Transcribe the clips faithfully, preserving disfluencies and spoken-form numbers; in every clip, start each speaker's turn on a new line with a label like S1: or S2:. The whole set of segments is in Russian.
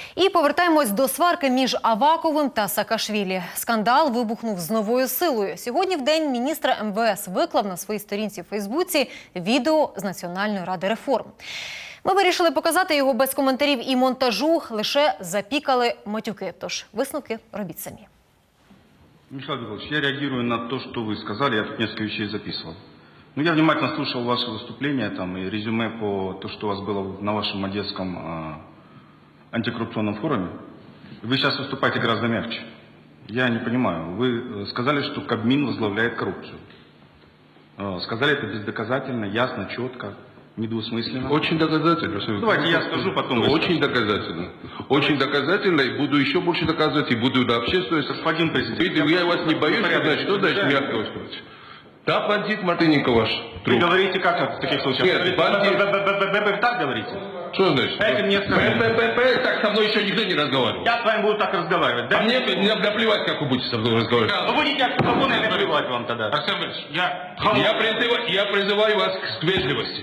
S1: І повертаємось до сварки між Аваковим та Саакашвілі. Скандал вибухнув з новою силою. Сьогодні в день міністра ем ве ес виклав на своїй сторінці в Фейсбуці відео з Національної ради реформ. Ми вирішили показати його без коментарів і монтажу, лише запікали матюки. Тож висновки робіть самі.
S2: Михаил Михайлович, я реагирую на то, что вы сказали, я тут несколько вещей записывал. Ну, я внимательно слушал ваше выступление там, и резюме по то, что у вас было на вашем одесском э, антикоррупционном форуме. Вы сейчас выступаете гораздо мягче. Я не понимаю. Вы сказали, что Кабмин возглавляет коррупцию. Э, сказали это бездоказательно, ясно, четко, недвусмысленно.
S3: Очень доказательно.
S2: Давайте я скажу, потом вы
S3: Очень
S2: скажете.
S3: доказательно. Очень доказательно, и буду еще больше доказывать, и буду до общественности.
S2: Господин президент,
S3: Я, я вас не боюсь, значит, что значит мягко выступать? Да, бандит Мартыненко ваш.
S2: Вы
S3: Труп.
S2: говорите как в таких случаях?
S3: Нет, бандит.
S2: Вы так говорите?
S3: Что значит?
S2: Дайте мне сказать.
S3: ППП, так со мной еще никто не разговаривал.
S2: Я с вами буду так разговаривать.
S3: А мне не наплевать, как вы будете со мной разговаривать.
S2: Вы будете от микрофона и наплевать вам тогда.
S4: Арсен Борисович, я...
S3: Я призываю, я призываю вас к вежливости.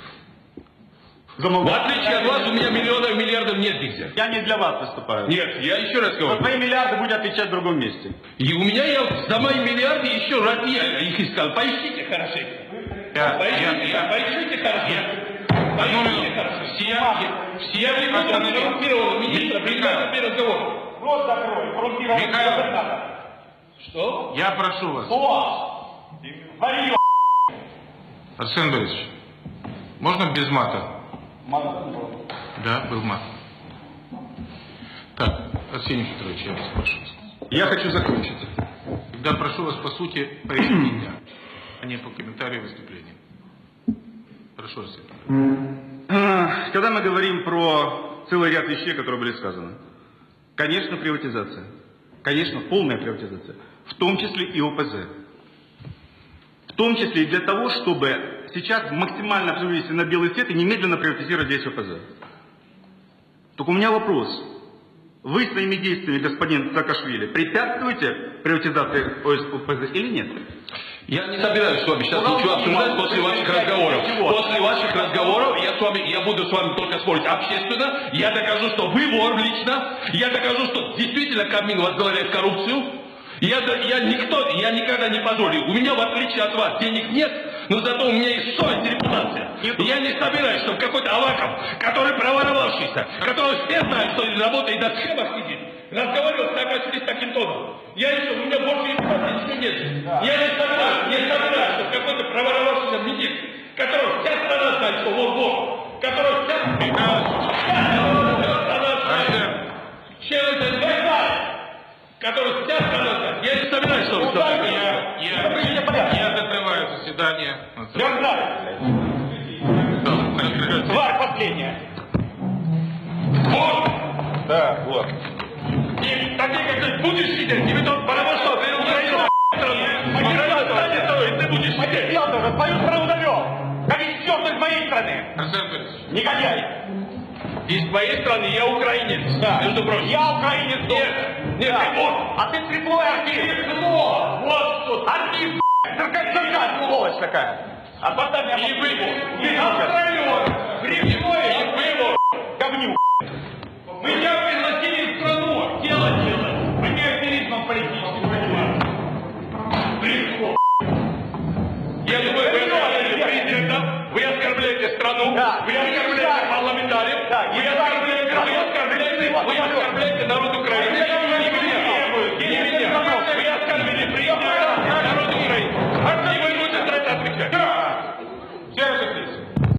S3: В
S2: Замолчите.
S3: отличие от вас, у меня миллионов, миллиардов нет нигде.
S2: Я не для вас выступаю.
S3: Нет, я еще раз
S2: За
S3: говорю.
S2: свои миллиарды будете отвечать в другом месте.
S3: И у меня я за мои миллиарды еще раз я их искал. Поищите хорошенько.
S4: Я-
S3: Поищите,
S4: я- я-
S3: поищите хорошенько. Поищите хорошенько.
S4: Все, все
S3: Я приду на
S4: остановились.
S3: коррумпированного министра, принимаю первый разговор.
S2: Рот закрой, коррумпированный
S4: Михаил.
S2: губернатор.
S3: Что?
S4: Я прошу вас,
S2: О! Варьё!
S4: Арсен Борисович, можно без мата? Да, был мат. Так, Арсений Петрович, я вас прошу.
S2: Я хочу закончить.
S4: Тогда прошу вас по сути пояснить, а не по комментарию выступления. Прошу, Арсений Петрович.
S2: Когда мы говорим про целый ряд вещей, которые были сказаны, конечно, приватизация. Конечно, полная приватизация. В том числе и о пэ зэ. В том числе и для того, чтобы сейчас максимально вывести на белый свет и немедленно приватизировать здесь о пэ зэ. Только у меня вопрос. Вы своими действиями, господин Саакашвили, препятствуете приватизации о пэ зэ или нет?
S3: Я не собираюсь с вами сейчас ничего обсуждать после ваших разговоров. После ваших разговоров я, с вами, я буду с вами только спорить общественно. Я докажу, что вы вор лично. Я докажу, что действительно Кабмин возглавляет коррупцию. Я, я, никто, я никогда не позволю. У меня, в отличие от вас, денег нет, но зато у меня есть совесть и репутация. И я не собираюсь, чтобы какой-то Аваков, который проворовавшийся, который все знают, что работает на схемах сидит, разговаривал с Саакашвили с таким тоном. Я еще, у меня больше репутации ничего нет. Я не собираюсь, не собираюсь, чтобы какой-то проворовавшийся министр, которого вся страна знает, что он вор, которого вся страна знает, чем это знает, который вся страна знает. Я не собираюсь, что вы сказали.
S4: Я, я, я закрываю заседание.
S2: Я знаю. Тварь последняя.
S3: Вот!
S2: Да, вот.
S3: И такие, как ты, будешь сидеть, тебе тут потому что ты Украину Украина станет тобой, ты будешь сидеть.
S2: Я тоже твою страну довел. Как из черных моей страны.
S4: Арсен Борисович,
S2: Негодяй.
S3: Из моей страны я украинец,
S2: Да.
S3: между прочим.
S2: Я украинец.
S3: Нет, нет,
S2: Да.
S3: ты вот.
S2: А ты слепой артист.
S3: Вот тут.
S2: Артист, циркачка, сволочь такая. А потом я...
S3: И вы,
S2: Ты
S3: и
S2: Австралион.
S3: Грибной, и вы,
S2: Говнюк.
S3: мы тебя пригласили в страну делать это.
S2: Вы не аферизмом политическим занимаетесь.
S3: Грибной. Я думаю, вы оскорбляете президента, вы оскорбляете страну,
S2: Да.
S3: вы оскорбляете парламентариев,
S2: Да.
S3: вы оскорбляете, вы оскорбляете, вы оскорбляете народу